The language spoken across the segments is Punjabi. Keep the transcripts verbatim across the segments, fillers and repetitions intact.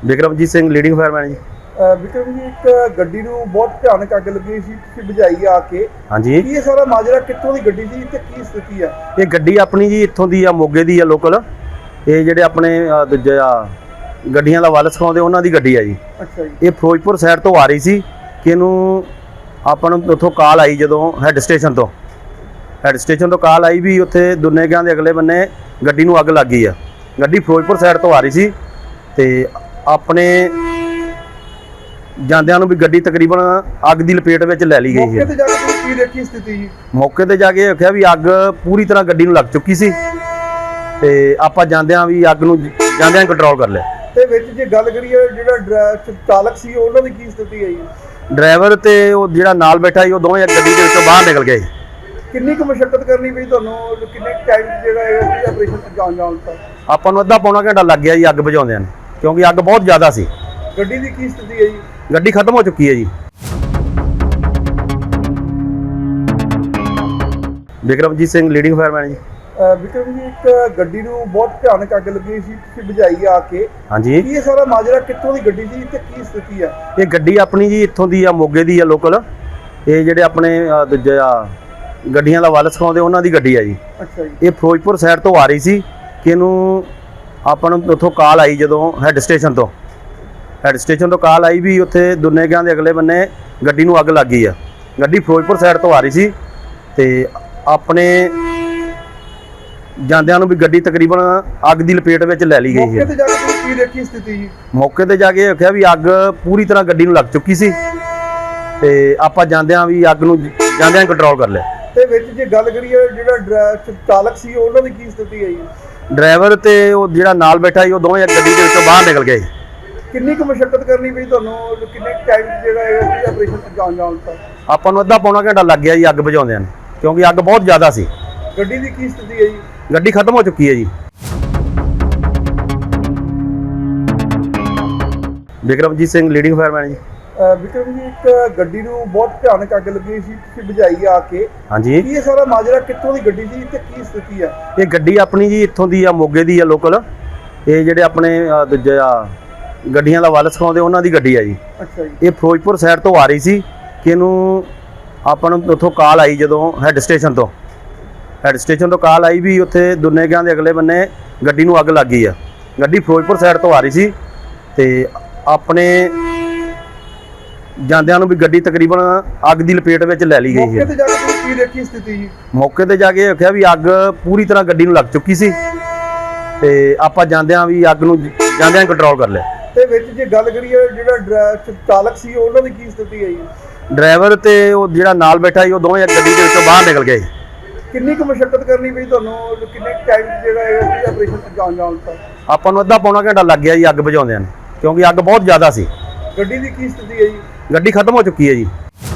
ਵਿਕਰਮਜੀਤ ਸਿੰਘ ਲੀਡਿੰਗ ਫਾਇਰਮੈਨ ਜੀ। ਅ, ਵਿਕਰਮ ਜੀ, ਇੱਕ ਗੱਡੀ ਨੂੰ ਬਹੁਤ ਭਿਆਨਕ ਅੱਗ ਲੱਗੀ ਸੀ, ਤੁਸੀਂ ਬੁਝਾਈ ਆ ਕੇ। ਹਾਂਜੀ, ਕੀ ਇਹ ਸਾਰਾ ਮਾਜਰਾ ਕਿੱਥੋਂ ਦੀ ਗੱਡੀ ਸੀ ਤੇ ਕੀ ਸਥਿਤੀ ਆ? ਇਹ ਗੱਡੀ ਆਪਣੀ ਜੀ ਇੱਥੋਂ ਦੀ ਆ, ਮੋਗੇ ਦੀ ਆ ਲੋਕਲ। ਇਹ ਜਿਹੜੇ ਆਪਣੇ ਅ, ਦੂਜੇ ਆ ਗੱਡੀਆਂ ਦਾ ਵੱਲ ਸਿਖਾਉਂਦੇ ਉਹਨਾਂ ਦੀ ਗੱਡੀ ਆ ਜੀ। ਅੱਛਾ ਜੀ। ਇਹ ਫਿਰੋਜ਼ਪੁਰ ਸਾਈਡ ਤੋਂ ਆ ਰਹੀ ਸੀ ਕਿ ਇਹਨੂੰ ਆਪਾਂ ਨੂੰ ਉੱਥੋਂ ਕਾਲ ਆਈ, ਜਦੋਂ ਹੈੱਡ ਸਟੇਸ਼ਨ ਤੋਂ ਹੈੱਡ ਸਟੇਸ਼ਨ ਤੋਂ ਕਾਲ ਆਈ ਵੀ ਉੱਥੇ ਦੁਨੇਗਾਂ ਦੇ ਅਗਲੇ ਬੰਨੇ ਗੱਡੀ ਨੂੰ ਅੱਗ ਲੱਗ ਗਈ ਆ। ਗੱਡੀ ਫਿਰੋਜ਼ਪੁਰ ਸਾਈਡ ਤੋਂ ਆ ਰਹੀ ਸੀ ਤੇ ਆਪਣੇ ਜਾਂਦਿਆਂ ਨੂੰ ਵੀ ਗੱਡੀ ਤਕਰੀਬਨ ਅੱਗ ਦੀ ਲਪੇਟ ਵਿੱਚ ਲੈ ਲਈ ਗਈ ਮੌਕੇ ਹੈ। ਤੇ ਜਾ ਕੇ ਤੁਸੀਂ ਕੀ ਦੇਖੀ ਸਥਿਤੀ ਜੀ? ਮੌਕੇ ਤੇ ਜਾ ਕੇ ਦੇਖਿਆ ਵੀ ਅੱਗ ਪੂਰੀ ਤਰ੍ਹਾਂ ਗੱਡੀ ਨੂੰ ਲੱਗ ਚੁੱਕੀ ਸੀ ਤੇ ਆਪਾਂ ਜਾਂਦਿਆਂ ਵੀ ਅੱਗ ਨੂੰ ਜਾਂਦਿਆਂ ਕੰਟਰੋਲ ਕਰ ਲਿਆ। ਤੇ ਵਿੱਚ ਜੇ ਗੱਲ ਕਰੀਏ, ਜਿਹੜਾ ਡਰਾ- ਚਾਲਕ ਸੀ ਉਹਨਾਂ ਦੀ ਕੀ ਸਥਿਤੀ ਹੈ ਜੀ? ਡਰਾਈਵਰ ਤੇ ਉਹ ਜਿਹੜਾ ਨਾਲ ਬੈਠਾ ਸੀ, ਉਹ ਦੋਵੇਂ ਗੱਡੀ ਦੇ ਵਿੱਚੋਂ ਬਾਹਰ ਨਿਕਲ ਗਏ। ਕਿੰਨੀ ਕੁ ਮੁਸ਼ੱਕਤ ਕਰਨੀ ਪਈ ਤੁਹਾਨੂੰ? ਕਿੰਨੇ ਟਾਈਮ ਜਿਹੜਾ ਹੈ ਆਪਰੇਸ਼ਨ ਜਾਣ ਜਾਣ ਤੱਕ? ਆਪਾਂ ਨੂੰ ਅੱਧਾ ਪੌਣਾ ਘੰਟਾ ਲੱਗ ਗਿਆ ਜੀ ਅੱਗ ਬੁਝਾਉਂਦਿਆਂ ਨੂੰ, ਕਿਉਂਕਿ ਅੱਗ ਬਹੁਤ ਜ਼ਿਆਦਾ ਸੀ। ਗੱਡੀ ਦੀ ਕੀ ਸਥਿਤੀ ਹੈ ਜੀ? ਗੱਡੀ ਖਤਮ ਹੋ ਚੁੱਕੀ ਹੈ ਜੀ। ਵਿਕਰਮਜੀਤ ਸਿੰਘ ਲੀਡਿੰਗ ਫਾਇਰਮੈਨ ਜੀ। ਅ, ਵਿਕਰਮ ਜੀ, ਇੱਕ ਗੱਡੀ ਨੂੰ ਬਹੁਤ ਭਿਆਨਕ ਅੱਗ ਲੱਗੀ ਸੀ, ਤੁਸੀਂ ਬੁਝਾਈ ਆ ਕੇ। ਹਾਂਜੀ, ਕੀ ਇਹ ਸਾਰਾ ਮਾਜਰਾ ਕਿੱਥੋਂ ਦੀ ਗੱਡੀ ਸੀ ਤੇ ਕੀ ਸਥਿਤੀ ਆ? ਇਹ ਗੱਡੀ ਆਪਣੀ ਜੀ ਇੱਥੋਂ ਦੀ ਆ, ਮੋਗੇ ਦੀ ਆ ਲੋਕਲ। ਇਹ ਜਿਹੜੇ ਆਪਣੇ ਅ, ਦੂਜੇ ਆ ਗੱਡੀਆਂ ਦਾ ਵੱਲ ਸਿਖਾਉਂਦੇ ਉਹਨਾਂ ਦੀ ਗੱਡੀ ਆ ਜੀ। ਅੱਛਾ ਜੀ। ਇਹ ਫਿਰੋਜ਼ਪੁਰ ਸਾਈਡ ਤੋਂ ਆ ਰਹੀ ਸੀ ਕਿ ਇਹਨੂੰ ਆਪਾਂ ਨੂੰ ਉੱਥੋਂ ਕਾਲ ਆਈ, ਜਦੋਂ ਹੈੱਡ ਸਟੇਸ਼ਨ ਤੋਂ ਹੈੱਡ ਸਟੇਸ਼ਨ ਤੋਂ ਕਾਲ ਆਈ ਵੀ ਉੱਥੇ ਦੁਨੇਗਾਂ ਦੇ ਅਗਲੇ ਬੰਨੇ ਗੱਡੀ ਨੂੰ ਅੱਗ ਲੱਗ ਗਈ ਆ। ਗੱਡੀ ਫਿਰੋਜ਼ਪੁਰ ਸਾਈਡ ਤੋਂ ਆ ਰਹੀ ਸੀ ਤੇ ਆਪਣੇ ਜਾਂਦਿਆਂ ਨੂੰ ਵੀ ਗੱਡੀ ਤਕਰੀਬਨ ਅੱਗ ਦੀ ਲਪੇਟ ਵਿੱਚ ਲੈ ਲਈ ਗਈ ਮੌਕੇ ਹੈ। ਤੇ ਜਾ ਕੇ ਤੁਸੀਂ ਕੀ ਦੇਖੀ ਸਥਿਤੀ ਜੀ? ਮੌਕੇ ਤੇ ਜਾ ਕੇ ਦੇਖਿਆ ਵੀ ਅੱਗ ਪੂਰੀ ਤਰ੍ਹਾਂ ਗੱਡੀ ਨੂੰ ਲੱਗ ਚੁੱਕੀ ਸੀ ਤੇ ਆਪਾਂ ਜਾਂਦਿਆਂ ਵੀ ਅੱਗ ਨੂੰ ਜਾਂਦਿਆਂ ਕੰਟਰੋਲ ਕਰ ਲਿਆ। ਤੇ ਵਿੱਚ ਜੇ ਗੱਲ ਕਰੀਏ, ਜਿਹੜਾ ਡਰਾ- ਚਾਲਕ ਸੀ ਉਹਨਾਂ ਦੀ ਕੀ ਸਥਿਤੀ ਹੈ ਜੀ? ਡਰਾਈਵਰ ਤੇ ਉਹ ਜਿਹੜਾ ਨਾਲ ਬੈਠਾ ਸੀ, ਉਹ ਦੋਵੇਂ ਗੱਡੀ ਦੇ ਵਿੱਚੋਂ ਬਾਹਰ ਨਿਕਲ ਗਏ। ਕਿੰਨੀ ਕੁ ਮੁਸ਼ੱਕਤ ਕਰਨੀ ਪਈ ਤੁਹਾਨੂੰ? ਕਿੰਨੇ ਟਾਈਮ ਜਿਹੜਾ ਹੈ ਆਪਰੇਸ਼ਨ ਜਾਣ ਜਾਣ ਤੱਕ? ਆਪਾਂ ਨੂੰ ਅੱਧਾ ਪੌਣਾ ਘੰਟਾ ਲੱਗ ਗਿਆ ਜੀ ਅੱਗ ਬੁਝਾਉਂਦਿਆਂ ਨੂੰ, ਕਿਉਂਕਿ ਅੱਗ ਬਹੁਤ ਜ਼ਿਆਦਾ ਸੀ। ਗੱਡੀ ਦੀ ਕੀ ਸਥਿਤੀ ਹੈ ਜੀ? ਗੱਡੀ ਖਤਮ ਹੋ ਚੁੱਕੀ ਹੈ ਜੀ। ਵਿਕਰਮਜੀਤ ਸਿੰਘ ਲੀਡਿੰਗ ਫਾਇਰਮੈਨ ਜੀ। ਅ, ਵਿਕਰਮ ਜੀ, ਇੱਕ ਗੱਡੀ ਨੂੰ ਬਹੁਤ ਭਿਆਨਕ ਅੱਗ ਲੱਗੀ ਸੀ, ਤੁਸੀਂ ਬੁਝਾਈ ਆ ਕੇ। ਹਾਂਜੀ, ਕੀ ਇਹ ਸਾਰਾ ਮਾਜਰਾ ਕਿੱਥੋਂ ਦੀ ਗੱਡੀ ਸੀ ਤੇ ਕੀ ਸਥਿਤੀ ਆ? ਇਹ ਗੱਡੀ ਆਪਣੀ ਜੀ ਇੱਥੋਂ ਦੀ ਆ, ਮੋਗੇ ਦੀ ਆ ਲੋਕਲ। ਇਹ ਜਿਹੜੇ ਆਪਣੇ ਅ, ਦੂਜੇ ਆ ਗੱਡੀਆਂ ਦਾ ਵੱਲ ਸਿਖਾਉਂਦੇ ਉਹਨਾਂ ਦੀ ਗੱਡੀ ਆ ਜੀ। ਅੱਛਾ ਜੀ। ਇਹ ਫਿਰੋਜ਼ਪੁਰ ਸਾਈਡ ਤੋਂ ਆ ਰਹੀ ਸੀ ਕਿ ਇਹਨੂੰ ਆਪਾਂ ਨੂੰ ਉੱਥੋਂ ਕਾਲ ਆਈ, ਜਦੋਂ ਹੈੱਡ ਸਟੇਸ਼ਨ ਤੋਂ ਹੈੱਡ ਸਟੇਸ਼ਨ ਤੋਂ ਕਾਲ ਆਈ ਵੀ ਉੱਥੇ ਦੁਨੇਗਾਂ ਦੇ ਅਗਲੇ ਬੰਨੇ ਗੱਡੀ ਨੂੰ ਅੱਗ ਲੱਗ ਗਈ ਆ। ਗੱਡੀ ਫਿਰੋਜ਼ਪੁਰ ਸਾਈਡ ਤੋਂ ਆ ਰਹੀ ਸੀ ਤੇ ਆਪਣੇ ਜਾਂਦਿਆਂ ਨੂੰ ਵੀ ਗੱਡੀ ਤਕਰੀਬਨ ਅੱਗ ਦੀ ਲਪੇਟ ਵਿੱਚ ਲੈ ਲਈ ਗਈ ਮੌਕੇ ਹੈ। ਤੇ ਜਾ ਕੇ ਤੁਸੀਂ ਕੀ ਦੇਖੀ ਸਥਿਤੀ ਜੀ? ਮੌਕੇ ਤੇ ਜਾ ਕੇ ਦੇਖਿਆ ਵੀ ਅੱਗ ਪੂਰੀ ਤਰ੍ਹਾਂ ਗੱਡੀ ਨੂੰ ਲੱਗ ਚੁੱਕੀ ਸੀ ਤੇ ਆਪਾਂ ਜਾਂਦਿਆਂ ਵੀ ਅੱਗ ਨੂੰ ਜਾਂਦਿਆਂ ਕੰਟਰੋਲ ਕਰ ਲਿਆ। ਤੇ ਵਿੱਚ ਜੇ ਗੱਲ ਕਰੀਏ, ਜਿਹੜਾ ਡਰਾ- ਚਾਲਕ ਸੀ ਉਹਨਾਂ ਦੀ ਕੀ ਸਥਿਤੀ ਹੈ ਜੀ? ਡਰਾਈਵਰ ਤੇ ਉਹ ਜਿਹੜਾ ਨਾਲ ਬੈਠਾ ਸੀ, ਉਹ ਦੋਵੇਂ ਗੱਡੀ ਦੇ ਵਿੱਚੋਂ ਬਾਹਰ ਨਿਕਲ ਗਏ। ਕਿੰਨੀ ਕੁ ਮੁਸ਼ੱਕਤ ਕਰਨੀ ਪਈ ਤੁਹਾਨੂੰ? ਕਿੰਨੇ ਟਾਈਮ ਜਿਹੜਾ ਹੈ ਆਪਰੇਸ਼ਨ ਜਾਣ ਜਾਣ ਤੱਕ? ਆਪਾਂ ਨੂੰ ਅੱਧਾ ਪੌਣਾ ਘੰਟਾ ਲੱਗ ਗਿਆ ਜੀ ਅੱਗ ਬੁਝਾਉਂਦਿਆਂ ਨੂੰ, ਕਿਉਂਕਿ ਅੱਗ ਬਹੁਤ ਜ਼ਿਆਦਾ ਸੀ। ਗੱਡੀ ਦੀ ਕੀ ਸਥਿਤੀ ਹੈ ਜੀ? ਗੱਡੀ ਖਤਮ ਹੋ ਚੁੱਕੀ ਹੈ ਜੀ।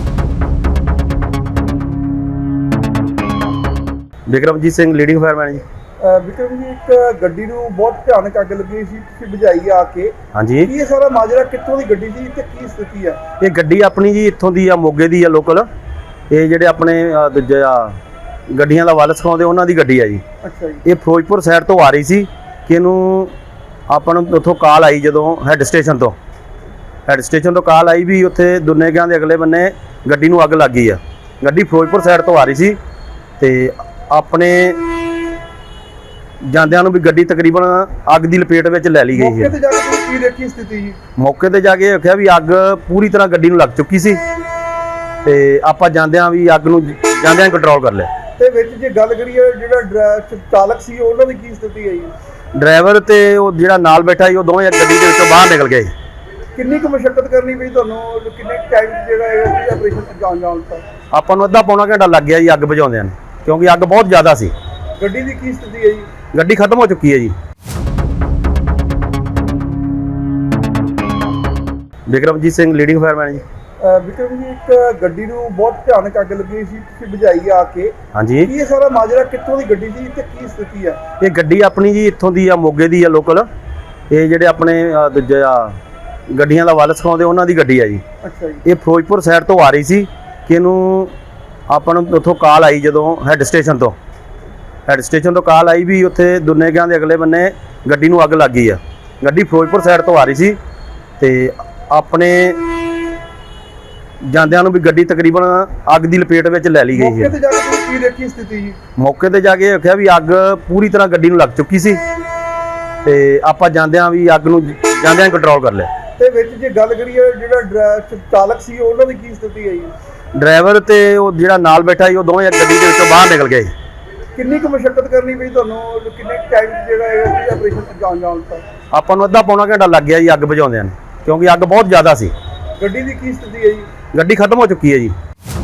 ਵਿਕਰਮਜੀਤ ਸਿੰਘ ਲੀਡਿੰਗ ਫਾਇਰਮੈਨ ਜੀ। ਅ, ਵਿਕਰਮ ਜੀ, ਇੱਕ ਗੱਡੀ ਨੂੰ ਬਹੁਤ ਭਿਆਨਕ ਅੱਗ ਲੱਗੀ ਸੀ, ਤੁਸੀਂ ਬੁਝਾਈ ਆ ਕੇ। ਹਾਂਜੀ, ਕੀ ਇਹ ਸਾਰਾ ਮਾਜਰਾ ਕਿੱਥੋਂ ਦੀ ਗੱਡੀ ਸੀ ਤੇ ਕੀ ਸਥਿਤੀ ਆ? ਇਹ ਗੱਡੀ ਆਪਣੀ ਜੀ ਇੱਥੋਂ ਦੀ ਆ, ਮੋਗੇ ਦੀ ਆ ਲੋਕਲ। ਇਹ ਜਿਹੜੇ ਆਪਣੇ ਅ, ਦੂਜੇ ਆ ਗੱਡੀਆਂ ਦਾ ਵੱਲ ਸਿਖਾਉਂਦੇ ਉਹਨਾਂ ਦੀ ਗੱਡੀ ਆ ਜੀ। ਅੱਛਾ ਜੀ। ਇਹ ਫਿਰੋਜ਼ਪੁਰ ਸਾਈਡ ਤੋਂ ਆ ਰਹੀ ਸੀ ਕਿ ਇਹਨੂੰ ਆਪਾਂ ਨੂੰ ਉੱਥੋਂ ਕਾਲ ਆਈ, ਜਦੋਂ ਹੈੱਡ ਸਟੇਸ਼ਨ ਤੋਂ ਹੈੱਡ ਸਟੇਸ਼ਨ ਤੋਂ ਕਾਲ ਆਈ ਵੀ ਉੱਥੇ ਦੁਨੇਗਾਂ ਦੇ ਅਗਲੇ ਬੰਨੇ ਗੱਡੀ ਨੂੰ ਅੱਗ ਲੱਗ ਗਈ ਆ। ਗੱਡੀ ਫਿਰੋਜ਼ਪੁਰ ਸਾਈਡ ਤੋਂ ਆ ਰਹੀ ਸੀ ਤੇ ਆਪਣੇ ਜਾਂਦਿਆਂ ਨੂੰ ਵੀ ਗੱਡੀ ਤਕਰੀਬਨ ਅੱਗ ਦੀ ਲਪੇਟ ਵਿੱਚ ਲੈ ਲਈ ਗਈ ਮੌਕੇ ਹੈ। ਤੇ ਜਾ ਕੇ ਤੁਸੀਂ ਕੀ ਦੇਖੀ ਸਥਿਤੀ ਜੀ? ਮੌਕੇ ਤੇ ਜਾ ਕੇ ਦੇਖਿਆ ਵੀ ਅੱਗ ਪੂਰੀ ਤਰ੍ਹਾਂ ਗੱਡੀ ਨੂੰ ਲੱਗ ਚੁੱਕੀ ਸੀ ਤੇ ਆਪਾਂ ਜਾਂਦਿਆਂ ਵੀ ਅੱਗ ਨੂੰ ਜਾਂਦਿਆਂ ਕੰਟਰੋਲ ਕਰ ਲਿਆ। ਤੇ ਵਿੱਚ ਜੇ ਗੱਲ ਕਰੀਏ, ਜਿਹੜਾ ਡਰਾ- ਚਾਲਕ ਸੀ ਉਹਨਾਂ ਦੀ ਕੀ ਸਥਿਤੀ ਹੈ ਜੀ? ਡਰਾਈਵਰ ਤੇ ਉਹ ਜਿਹੜਾ ਨਾਲ ਬੈਠਾ ਸੀ, ਉਹ ਦੋਵੇਂ ਗੱਡੀ ਦੇ ਵਿੱਚੋਂ ਬਾਹਰ ਨਿਕਲ ਗਏ। ਕਿੰਨੀ ਕੁ ਮੁਸ਼ੱਕਤ ਕਰਨੀ ਪਈ ਤੁਹਾਨੂੰ? ਕਿੰਨੇ ਟਾਈਮ ਜਿਹੜਾ ਹੈ ਆਪਰੇਸ਼ਨ ਜਾਣ ਜਾਣ ਤੱਕ? ਆਪਾਂ ਨੂੰ ਅੱਧਾ ਪੌਣਾ ਘੰਟਾ ਲੱਗ ਗਿਆ ਜੀ ਅੱਗ ਬੁਝਾਉਂਦਿਆਂ ਨੂੰ, ਕਿਉਂਕਿ ਅੱਗ ਬਹੁਤ ਜ਼ਿਆਦਾ ਸੀ। ਗੱਡੀ ਦੀ ਕੀ ਸਥਿਤੀ ਹੈ ਜੀ? ਗੱਡੀ ਖਤਮ ਹੋ ਚੁੱਕੀ ਹੈ ਜੀ। ਵਿਕਰਮਜੀਤ ਸਿੰਘ ਲੀਡਿੰਗ ਫਾਇਰਮੈਨ ਜੀ। ਅ, ਵਿਕਰਮ ਜੀ, ਇੱਕ ਗੱਡੀ ਨੂੰ ਬਹੁਤ ਭਿਆਨਕ ਅੱਗ ਲੱਗੀ ਸੀ, ਤੁਸੀਂ ਬੁਝਾਈ ਆ ਕੇ। ਹਾਂਜੀ, ਕੀ ਇਹ ਸਾਰਾ ਮਾਜਰਾ ਕਿੱਥੋਂ ਦੀ ਗੱਡੀ ਸੀ ਤੇ ਕੀ ਸਥਿਤੀ ਆ? ਇਹ ਗੱਡੀ ਆਪਣੀ ਜੀ ਇੱਥੋਂ ਦੀ ਆ, ਮੋਗੇ ਦੀ ਆ ਲੋਕਲ। ਇਹ ਜਿਹੜੇ ਆਪਣੇ ਅ, ਦੂਜੇ ਆ ਗੱਡੀਆਂ ਦਾ ਵੱਲ ਸਿਖਾਉਂਦੇ ਉਹਨਾਂ ਦੀ ਗੱਡੀ ਆ ਜੀ। ਅੱਛਾ ਜੀ। ਇਹ ਫਿਰੋਜ਼ਪੁਰ ਸਾਈਡ ਤੋਂ ਆ ਰਹੀ ਸੀ ਕਿ ਇਹਨੂੰ ਆਪਾਂ ਨੂੰ ਉੱਥੋਂ ਕਾਲ ਆਈ, ਜਦੋਂ ਹੈੱਡ ਸਟੇਸ਼ਨ ਤੋਂ ਹੈੱਡ ਸਟੇਸ਼ਨ ਤੋਂ ਕਾਲ ਆਈ ਵੀ ਉੱਥੇ ਦੁਨੇਗਾਂ ਦੇ ਅਗਲੇ ਬੰਨੇ ਗੱਡੀ ਨੂੰ ਅੱਗ ਲੱਗ ਗਈ ਆ। ਗੱਡੀ ਫਿਰੋਜ਼ਪੁਰ ਸਾਈਡ ਤੋਂ ਆ ਰਹੀ ਸੀ ਤੇ ਆਪਣੇ ਜਾਂਦਿਆਂ ਨੂੰ ਵੀ ਗੱਡੀ ਤਕਰੀਬਨ ਅੱਗ ਦੀ ਲਪੇਟ ਵਿੱਚ ਲੈ ਲਈ ਗਈ ਮੌਕੇ ਹੈ। ਤੇ ਜਾ ਕੇ ਤੁਸੀਂ ਕੀ ਦੇਖੀ ਸਥਿਤੀ ਜੀ? ਮੌਕੇ ਤੇ ਜਾ ਕੇ ਦੇਖਿਆ ਵੀ ਅੱਗ ਪੂਰੀ ਤਰ੍ਹਾਂ ਗੱਡੀ ਨੂੰ ਲੱਗ ਚੁੱਕੀ ਸੀ ਤੇ ਆਪਾਂ ਜਾਂਦਿਆਂ ਵੀ ਅੱਗ ਨੂੰ ਜਾਂਦਿਆਂ ਕੰਟਰੋਲ ਕਰ ਲਿਆ। ਤੇ ਵਿੱਚ ਜੇ ਗੱਲ ਕਰੀਏ ਜਿਹੜਾ ਡਰਾ- ਚਾਲਕ ਸੀ ਉਹਨਾਂ ਦੀ ਕੀ ਸਥਿਤੀ ਹੈ ਜੀ? ਡਰਾਈਵਰ ਤੇ ਉਹ ਜਿਹੜਾ ਨਾਲ ਬੈਠਾ ਸੀ ਉਹ ਦੋਵੇਂ ਗੱਡੀ ਦੇ ਵਿੱਚੋਂ ਬਾਹਰ ਨਿਕਲ ਗਏ। ਕਿੰਨੀ ਕੁ ਮੁਸ਼ਕਲ ਕਰਨੀ ਪਈ ਤੁਹਾਨੂੰ, ਕਿੰਨੇ ਟਾਈਮ ਜਿਹੜਾ ਹੈ ਇਹ ਆਪਰੇਸ਼ਨ ਅੰਜਾਮ ਜਾਣ ਤੱਕ? ਆਪਾਂ ਨੂੰ ਅੱਧਾ ਪੌਣਾ ਘੰਟਾ ਲੱਗ ਗਿਆ ਜੀ ਅੱਗ ਬੁਝਾਉਂਦਿਆਂ ਨੂੰ, ਕਿਉਂਕਿ ਅੱਗ ਬਹੁਤ ਜ਼ਿਆਦਾ ਸੀ। ਗੱਡੀ ਦੀ ਕੀ ਸਥਿਤੀ ਹੈ ਜੀ? ਗੱਡੀ ਖਤਮ ਹੋ ਚੁੱਕੀ ਹੈ ਜੀ।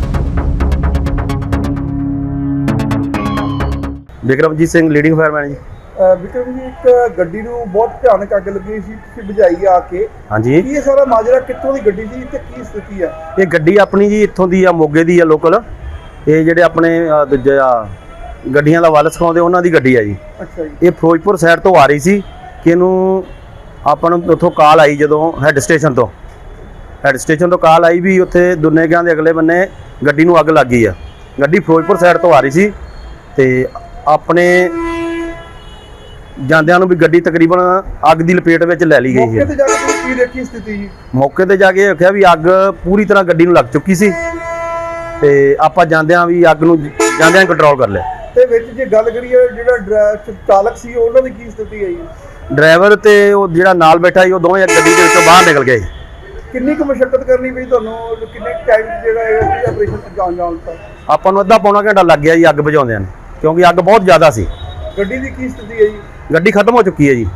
ਵਿਕਰਮਜੀਤ ਸਿੰਘ ਲੀਡਿੰਗ ਫਾਇਰਮੈਨ ਜੀ। ਅਹ ਵਿਕਰਮ ਜੀ, ਇੱਕ ਗੱਡੀ ਨੂੰ ਬਹੁਤ ਭਿਆਨਕ ਅੱਗ ਲੱਗੀ ਸੀ, ਤੁਸੀਂ ਬੁਝਾਈ ਆ ਕੇ। ਹਾਂਜੀ, ਕੀ ਇਹ ਸਾਰਾ ਮਾਜਰਾ ਕਿੱਥੋਂ ਦੀ ਗੱਡੀ ਸੀ ਤੇ ਕੀ ਸਥਿਤੀ ਹੈ? ਇਹ ਗੱਡੀ ਆਪਣੀ ਜੀ ਇੱਥੋਂ ਦੀ ਆ, ਮੋਗੇ ਦੀ ਆ ਲੋਕਲ। ਇਹ ਜਿਹੜੇ ਆਪਣੇ ਅਹ, ਦੂਜੇ ਆ ਗੱਡੀਆਂ ਦਾ ਵੱਲ ਸਿਖਾਉਂਦੇ ਉਹਨਾਂ ਦੀ ਗੱਡੀ ਆ ਜੀ। ਅੱਛਾ ਜੀ। ਇਹ ਫਿਰੋਜ਼ਪੁਰ ਸਾਈਡ ਤੋਂ ਆ ਰਹੀ ਸੀ ਕਿ ਇਹਨੂੰ ਆਪਾਂ ਨੂੰ ਉੱਥੋਂ ਕਾਲ ਆਈ, ਜਦੋਂ ਹੈੱਡ ਸਟੇਸ਼ਨ ਤੋਂ ਹੈੱਡ ਸਟੇਸ਼ਨ ਤੋਂ ਕਾਲ ਆਈ ਵੀ ਉੱਥੇ ਦੁਨੇਗਿਆਂ ਦੇ ਅਗਲੇ ਬੰਨੇ ਗੱਡੀ ਨੂੰ ਅੱਗ ਲੱਗ ਗਈ ਆ। ਗੱਡੀ ਫਿਰੋਜ਼ਪੁਰ ਸਾਈਡ ਤੋਂ ਆ ਰਹੀ ਸੀ ਤੇ ਆਪਣੇ ਜਾਂਦਿਆਂ ਨੂੰ ਵੀ ਗੱਡੀ ਤਕਰੀਬਨ ਅੱਗ ਦੀ ਲਪੇਟ ਵਿੱਚ ਲੈ ਲਈ ਗਈ ਮੌਕੇ ਹੈ। ਤੇ ਜਾ ਕੇ ਤੁਸੀਂ ਕੀ ਦੇਖੀ ਸਥਿਤੀ ਜੀ? ਮੌਕੇ ਤੇ ਜਾ ਕੇ ਦੇਖਿਆ ਵੀ ਅੱਗ ਪੂਰੀ ਤਰ੍ਹਾਂ ਗੱਡੀ ਨੂੰ ਲੱਗ ਚੁੱਕੀ ਸੀ ਤੇ ਆਪਾਂ ਜਾਂਦਿਆਂ ਵੀ ਅੱਗ ਨੂੰ ਜਾਂਦਿਆਂ ਕੰਟਰੋਲ ਕਰ ਲਿਆ। ਤੇ ਵਿੱਚ ਜੇ ਗੱਲ ਕਰੀਏ ਜਿਹੜਾ ਡਰਾ- ਚਾਲਕ ਸੀ ਉਹਨਾਂ ਦੀ ਕੀ ਸਥਿਤੀ ਹੈ ਜੀ? ਡਰਾਈਵਰ ਤੇ ਉਹ ਜਿਹੜਾ ਨਾਲ ਬੈਠਾ ਸੀ ਉਹ ਦੋਵੇਂ ਗੱਡੀ ਦੇ ਵਿੱਚੋਂ ਬਾਹਰ ਨਿਕਲ ਗਏ। ਕਿੰਨੀ ਕੁ ਮੁਸ਼ਕਲ ਕਰਨੀ ਪਈ ਤੁਹਾਨੂੰ, ਕਿੰਨੇ ਟਾਈਮ ਜਿਹੜਾ ਹੈ ਇਹ ਆਪਰੇਸ਼ਨ ਅੰਜਾਮ ਜਾਣ ਤੱਕ? ਆਪਾਂ ਨੂੰ ਅੱਧਾ ਪੌਣਾ ਘੰਟਾ ਲੱਗ ਗਿਆ ਜੀ ਅੱਗ ਬੁਝਾਉਂਦਿਆਂ ਨੂੰ, ਕਿਉਂਕਿ ਅੱਗ ਬਹੁਤ ਜ਼ਿਆਦਾ ਸੀ। ਗੱਡੀ ਦੀ ਕੀ ਸਥਿਤੀ ਹੈ ਜੀ? ਗੱਡੀ ਖਤਮ ਹੋ ਚੁੱਕੀ ਹੈ ਜੀ।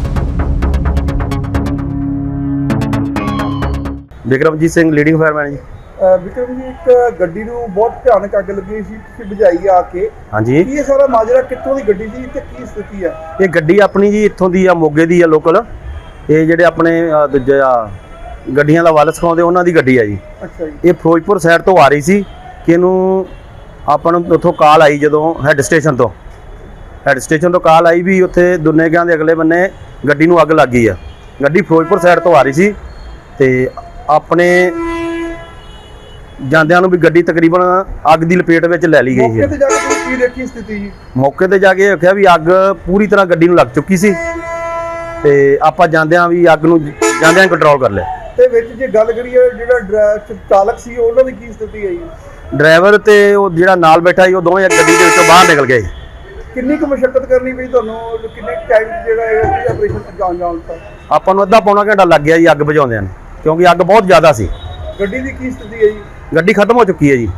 ਵਿਕਰਮਜੀਤ ਸਿੰਘ ਲੀਡਿੰਗ ਫਾਇਰਮੈਨ ਜੀ। ਅਹ ਵਿਕਰਮ ਜੀ, ਇੱਕ ਗੱਡੀ ਨੂੰ ਬਹੁਤ ਭਿਆਨਕ ਅੱਗ ਲੱਗੀ ਸੀ, ਤੁਸੀਂ ਬੁਝਾਈ ਆ ਕੇ। ਹਾਂਜੀ, ਕੀ ਇਹ ਸਾਰਾ ਮਾਜਰਾ ਕਿੱਥੋਂ ਦੀ ਗੱਡੀ ਸੀ ਤੇ ਕੀ ਸਥਿਤੀ ਹੈ? ਇਹ ਗੱਡੀ ਆਪਣੀ ਜੀ ਇੱਥੋਂ ਦੀ ਆ, ਮੋਗੇ ਦੀ ਆ ਲੋਕਲ। ਇਹ ਜਿਹੜੇ ਆਪਣੇ ਅਹ, ਦੂਜੇ ਆ ਗੱਡੀਆਂ ਦਾ ਵੱਲ ਸਿਖਾਉਂਦੇ ਉਹਨਾਂ ਦੀ ਗੱਡੀ ਆ ਜੀ। ਅੱਛਾ ਜੀ। ਇਹ ਫਿਰੋਜ਼ਪੁਰ ਸਾਈਡ ਤੋਂ ਆ ਰਹੀ ਸੀ ਕਿ ਇਹਨੂੰ ਆਪਾਂ ਨੂੰ ਉੱਥੋਂ ਕਾਲ ਆਈ, ਜਦੋਂ ਹੈੱਡ ਸਟੇਸ਼ਨ ਤੋਂ ਹੈੱਡ ਸਟੇਸ਼ਨ ਤੋਂ ਕਾਲ ਆਈ ਵੀ ਉੱਥੇ ਦੁਨੇਗਿਆਂ ਦੇ ਅਗਲੇ ਬੰਨੇ ਗੱਡੀ ਨੂੰ ਅੱਗ ਲੱਗ ਗਈ ਆ। ਗੱਡੀ ਫਿਰੋਜ਼ਪੁਰ ਸਾਈਡ ਤੋਂ ਆ ਰਹੀ ਸੀ ਤੇ ਆਪਣੇ ਜਾਂਦਿਆਂ ਨੂੰ ਵੀ ਗੱਡੀ ਤਕਰੀਬਨ ਅੱਗ ਦੀ ਲਪੇਟ ਵਿੱਚ ਲੈ ਲਈ ਗਈ ਮੌਕੇ ਹੈ। ਤੇ ਜਾ ਕੇ ਤੁਸੀਂ ਕੀ ਦੇਖੀ ਸਥਿਤੀ ਜੀ? ਮੌਕੇ ਤੇ ਜਾ ਕੇ ਦੇਖਿਆ ਵੀ ਅੱਗ ਪੂਰੀ ਤਰ੍ਹਾਂ ਗੱਡੀ ਨੂੰ ਲੱਗ ਚੁੱਕੀ ਸੀ ਤੇ ਆਪਾਂ ਜਾਂਦਿਆਂ ਵੀ ਅੱਗ ਨੂੰ ਜਾਂਦਿਆਂ ਕੰਟਰੋਲ ਕਰ ਲਿਆ। ਤੇ ਵਿੱਚ ਜੇ ਗੱਲ ਕਰੀਏ ਜਿਹੜਾ ਡਰਾ- ਚਾਲਕ ਸੀ ਉਹਨਾਂ ਦੀ ਕੀ ਸਥਿਤੀ ਹੈ ਜੀ? ਡਰਾਈਵਰ ਤੇ ਉਹ ਜਿਹੜਾ ਨਾਲ ਬੈਠਾ ਸੀ ਉਹ ਦੋਵੇਂ ਗੱਡੀ ਦੇ ਵਿੱਚੋਂ ਬਾਹਰ ਨਿਕਲ ਗਏ। ਕਿੰਨੀ ਕੁ ਮੁਸ਼ਕਲ ਕਰਨੀ ਪਈ ਤੁਹਾਨੂੰ, ਕਿੰਨੇ ਟਾਈਮ ਜਿਹੜਾ ਹੈ ਇਹ ਆਪਰੇਸ਼ਨ ਅੰਜਾਮ ਜਾਣ ਤੱਕ? ਆਪਾਂ ਨੂੰ ਅੱਧਾ ਪੌਣਾ ਘੰਟਾ ਲੱਗ ਗਿਆ ਜੀ ਅੱਗ ਬੁਝਾਉਂਦਿਆਂ ਨੂੰ, ਕਿਉਂਕਿ ਅੱਗ ਬਹੁਤ ਜ਼ਿਆਦਾ ਸੀ। ਗੱਡੀ ਦੀ ਕੀ ਸਥਿਤੀ ਹੈ ਜੀ? ਗੱਡੀ ਖਤਮ ਹੋ ਚੁੱਕੀ ਹੈ ਜੀ।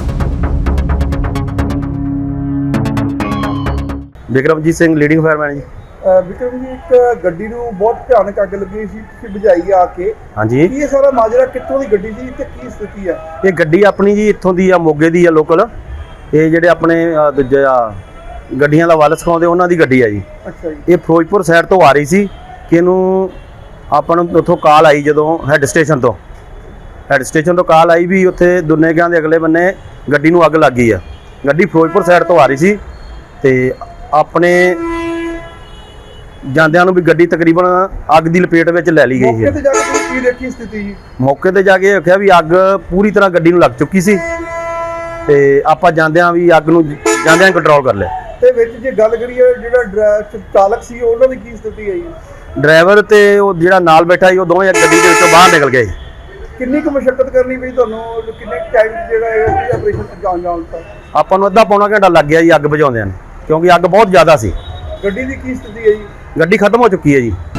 ਵਿਕਰਮਜੀਤ ਸਿੰਘ ਲੀਡਿੰਗ ਫਾਇਰਮੈਨ ਜੀ। ਅਹ ਵਿਕਰਮ ਜੀ, ਇੱਕ ਗੱਡੀ ਨੂੰ ਬਹੁਤ ਭਿਆਨਕ ਅੱਗ ਲੱਗੀ ਸੀ, ਤੁਸੀਂ ਬੁਝਾਈ ਆ ਕੇ। ਹਾਂਜੀ, ਕੀ ਇਹ ਸਾਰਾ ਮਾਜਰਾ ਕਿੱਥੋਂ ਦੀ ਗੱਡੀ ਸੀ ਤੇ ਕੀ ਸਥਿਤੀ ਹੈ? ਇਹ ਗੱਡੀ ਆਪਣੀ ਜੀ ਇੱਥੋਂ ਦੀ ਆ, ਮੋਗੇ ਦੀ ਆ ਲੋਕਲ। ਇਹ ਜਿਹੜੇ ਆਪਣੇ ਅਹ, ਦੂਜੇ ਆ ਗੱਡੀਆਂ ਦਾ ਵੱਲ ਸਿਖਾਉਂਦੇ ਉਹਨਾਂ ਦੀ ਗੱਡੀ ਆ ਜੀ। ਅੱਛਾ ਜੀ। ਇਹ ਫਿਰੋਜ਼ਪੁਰ ਸਾਈਡ ਤੋਂ ਆ ਰਹੀ ਸੀ ਕਿ ਇਹਨੂੰ ਆਪਾਂ ਨੂੰ ਉੱਥੋਂ ਕਾਲ ਆਈ, ਜਦੋਂ ਹੈੱਡ ਸਟੇਸ਼ਨ ਤੋਂ ਹੈੱਡ ਸਟੇਸ਼ਨ ਤੋਂ ਕਾਲ ਆਈ ਵੀ ਉੱਥੇ ਦੁਨੇਗਿਆਂ ਦੇ ਅਗਲੇ ਬੰਨੇ ਗੱਡੀ ਨੂੰ ਅੱਗ ਲੱਗ ਗਈ ਆ। ਗੱਡੀ ਫਿਰੋਜ਼ਪੁਰ ਸਾਈਡ ਤੋਂ ਆ ਰਹੀ ਸੀ ਤੇ ਆਪਣੇ ਜਾਂਦਿਆਂ ਨੂੰ ਵੀ ਗੱਡੀ ਤਕਰੀਬਨ ਅੱਗ ਦੀ ਲਪੇਟ ਵਿੱਚ ਲੈ ਲਈ ਗਈ ਮੌਕੇ ਹੈ। ਤੇ ਜਾ ਕੇ ਤੁਸੀਂ ਕੀ ਦੇਖੀ ਸਥਿਤੀ ਜੀ? ਮੌਕੇ ਤੇ ਜਾ ਕੇ ਦੇਖਿਆ ਵੀ ਅੱਗ ਪੂਰੀ ਤਰ੍ਹਾਂ ਗੱਡੀ ਨੂੰ ਲੱਗ ਚੁੱਕੀ ਸੀ ਤੇ ਆਪਾਂ ਜਾਂਦਿਆਂ ਵੀ ਅੱਗ ਨੂੰ ਜਾਂਦਿਆਂ ਕੰਟਰੋਲ ਕਰ ਲਿਆ। ਤੇ ਵਿੱਚ ਜੇ ਗੱਲ ਕਰੀਏ ਜਿਹੜਾ ਡਰਾ- ਚਾਲਕ ਸੀ ਉਹਨਾਂ ਦੀ ਕੀ ਸਥਿਤੀ ਹੈ ਜੀ? ਡਰਾਈਵਰ ਤੇ ਉਹ ਜਿਹੜਾ ਨਾਲ ਬੈਠਾ ਸੀ ਉਹ ਦੋਵੇਂ ਗੱਡੀ ਦੇ ਵਿੱਚੋਂ ਬਾਹਰ ਨਿਕਲ ਗਏ। ਕਿੰਨੀ ਕੁ ਮੁਸ਼ਕਲ ਕਰਨੀ ਪਈ ਤੁਹਾਨੂੰ, ਕਿੰਨੇ ਟਾਈਮ ਜਿਹੜਾ ਹੈ ਇਹ ਆਪਰੇਸ਼ਨ ਅੰਜਾਮ ਜਾਣ ਤੱਕ? ਆਪਾਂ ਨੂੰ ਅੱਧਾ ਪੌਣਾ ਘੰਟਾ ਲੱਗ ਗਿਆ ਜੀ ਅੱਗ ਬੁਝਾਉਂਦਿਆਂ ਨੂੰ, ਕਿਉਂਕਿ ਅੱਗ ਬਹੁਤ ਜ਼ਿਆਦਾ ਸੀ। ਗੱਡੀ ਦੀ ਕੀ ਸਥਿਤੀ ਹੈ ਜੀ? ਗੱਡੀ ਖਤਮ ਹੋ ਚੁੱਕੀ ਹੈ ਜੀ।